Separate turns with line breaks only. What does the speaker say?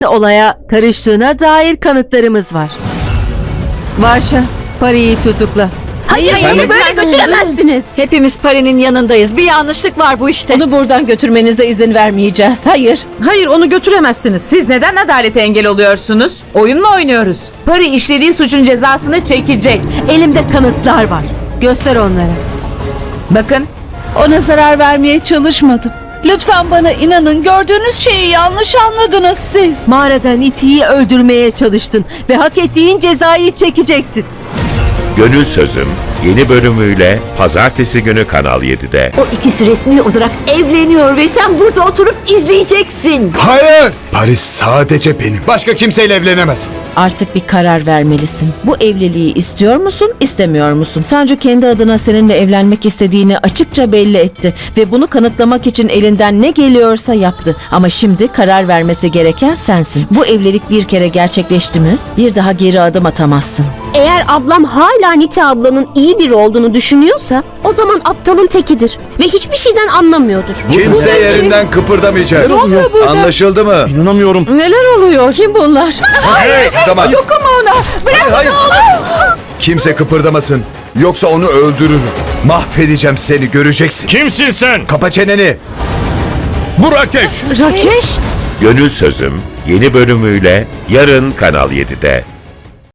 olaya karıştığına dair kanıtlarımız var. Varşa, Pari'yi tutukla.
Hayır, onu böyle götüremezsiniz.
Hepimiz Pari'nin yanındayız. Bir yanlışlık var bu işte.
Onu buradan götürmenize izin vermeyeceğiz. Hayır.
Hayır, onu götüremezsiniz.
Siz neden adalete engel oluyorsunuz? Oyun mu oynuyoruz? Pari işlediği suçun cezasını çekecek.
Elimde kanıtlar var. Göster onlara.
Bakın,
Ona zarar vermeye çalışmadım. Lütfen bana inanın. Gördüğünüz şeyi yanlış anladınız siz.
Mağarada Niti'yi öldürmeye çalıştın ve hak ettiğin cezayı çekeceksin.
Gönül Sözüm yeni bölümüyle pazartesi günü Kanal 7'de.
O ikisi resmi olarak evleniyor ve sen burada oturup izleyeceksin.
Hayır! Paris sadece benim. Başka kimseyle evlenemez.
Artık bir karar vermelisin. Bu evliliği istiyor musun, istemiyor musun? Sancu kendi adına seninle evlenmek istediğini açıkça belli etti ve bunu kanıtlamak için elinden ne geliyorsa yaptı. Ama şimdi karar vermesi gereken sensin. Bu evlilik bir kere gerçekleşti mi, bir daha geri adım atamazsın.
Eğer ablam hala Nite ablanın iyi biri olduğunu düşünüyorsa o zaman aptalın tekidir ve hiçbir şeyden anlamıyordur.
Kimse yerinden kıpırdamayacak. Anlaşıldı mı?
Neler oluyor? Kim bunlar?
Tamam. Dokunma ona. Bırak onu oğlum. Kimse kıpırdamasın. Yoksa onu öldürürüm. Mahvedeceğim seni, göreceksin.
Kimsin sen?
Kapa çeneni.
Bu Rakeş.
Rakeş?
Gönül Sözüm yeni bölümüyle yarın Kanal 7'de.